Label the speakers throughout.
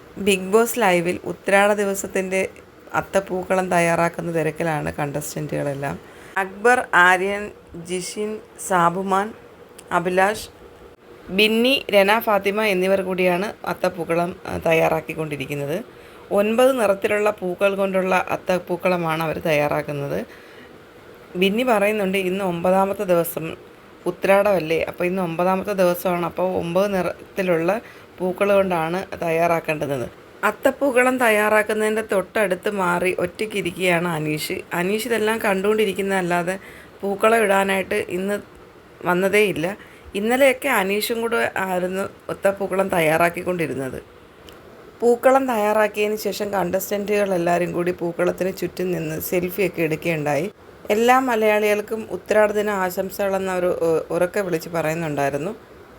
Speaker 1: Big boss ലൈവിൽ ഉത്രാട ദിവസത്തിൻ്റെ അത്തപ്പൂക്കളം തയ്യാറാക്കുന്ന തിരക്കിലാണ് കണ്ടസ്റ്റൻറ്റുകളെല്ലാം. അക്ബർ, ആര്യൻ, ജിഷിൻ, സാബുമാൻ, അഭിലാഷ്, ബിന്നി, രന ഫാത്തിമ എന്നിവർ കൂടിയാണ് അത്തപ്പൂക്കളം തയ്യാറാക്കിക്കൊണ്ടിരിക്കുന്നത്. 9 നിറത്തിലുള്ള പൂക്കൾ കൊണ്ടുള്ള അത്തപ്പൂക്കളമാണ് അവർ തയ്യാറാക്കുന്നത്. ബിന്നി പറയുന്നുണ്ട്, ഇന്ന് 9ാമത്തെ ദിവസം ഉത്രാടമല്ലേ, അപ്പോൾ ഇന്ന് 9ാമത്തെ ദിവസമാണ്, അപ്പോൾ 9 നിറത്തിലുള്ള പൂക്കൾ കൊണ്ടാണ് തയ്യാറാക്കേണ്ടത്. അത്തപ്പൂക്കളം തയ്യാറാക്കുന്നതിൻ്റെ തൊട്ടടുത്ത് മാറി ഒറ്റയ്ക്കിരിക്കുകയാണ് അനീഷ് ഇതെല്ലാം കണ്ടുകൊണ്ടിരിക്കുന്നതല്ലാതെ പൂക്കളം ഇടാനായിട്ട് ഇന്ന് വന്നതേയില്ല. ഇന്നലെയൊക്കെ അനീഷും കൂടെ ആയിരുന്നു അത്തപ്പൂക്കളം തയ്യാറാക്കിക്കൊണ്ടിരുന്നത്. പൂക്കളം തയ്യാറാക്കിയതിന് ശേഷം കണ്ടസ്റ്റൻറ്റുകളെല്ലാവരും കൂടി പൂക്കളത്തിന് ചുറ്റും നിന്ന് സെൽഫിയൊക്കെ എടുക്കുകയുണ്ടായി. എല്ലാ മലയാളികൾക്കും ഉത്രാടദിന ആശംസകളെന്ന് അവർ ഉറക്കെ വിളിച്ച് പറയുന്നുണ്ടായിരുന്നു.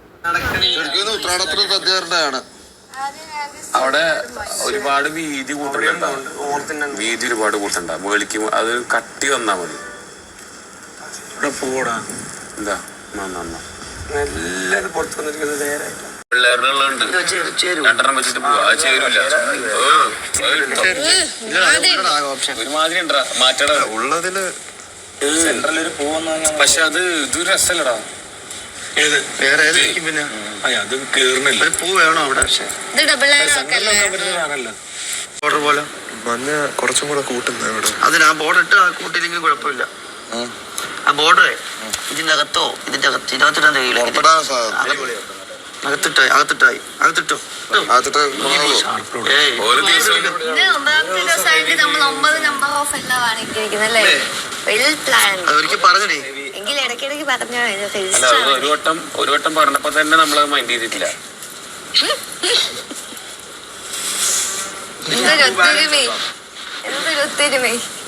Speaker 2: അവിടെ ഒരുപാട് വീതി വീതി ഒരുപാട് കൂട്ടണ്ട മേളിക്ക് അത് കട്ടി വന്നാ മതി. ഇവിടെ പോടാ എന്താ എല്ലാരും പുറത്ത് വന്നിരിക്കുന്നത് പിള്ളേരുടെ ഉള്ളുണ്ട് 2 വെച്ചിട്ട് പോവാ. അത് ചേരൂല, ഒരുമാതിരി ഉണ്ടാ മാറ്റട ഉള്ളതില് സെൻട്രലൊരു പൂവെന്ന്. പക്ഷെ അത് ഇതൊരു രസമല്ലടാ. പിന്നെ അത് കേറുന്നില്ല. പൂ വേണോ അവിടെ? ബോർഡർ പോലെ മഞ്ഞ കുറച്ചും കൂടെ കൂട്ടുന്ന അതിന് ആ ബോർഡർ ഇട്ട് കൂട്ടിയില്ലെങ്കിലും കുഴപ്പമില്ല. ആ ബോർഡറേ ഇതിന്റെ അകത്തോ ഇതിനകത്തിടാൻ കഴിയില്ല. അകത്തിട്ടോ പറഞ്ഞേ. ഒരു വട്ടം പറഞ്ഞപ്പോ തന്നെ നമ്മളത് മൈൻഡ് ചെയ്തിട്ടില്ല.
Speaker 3: എന്തൊരു ഒത്തൊരുമേ.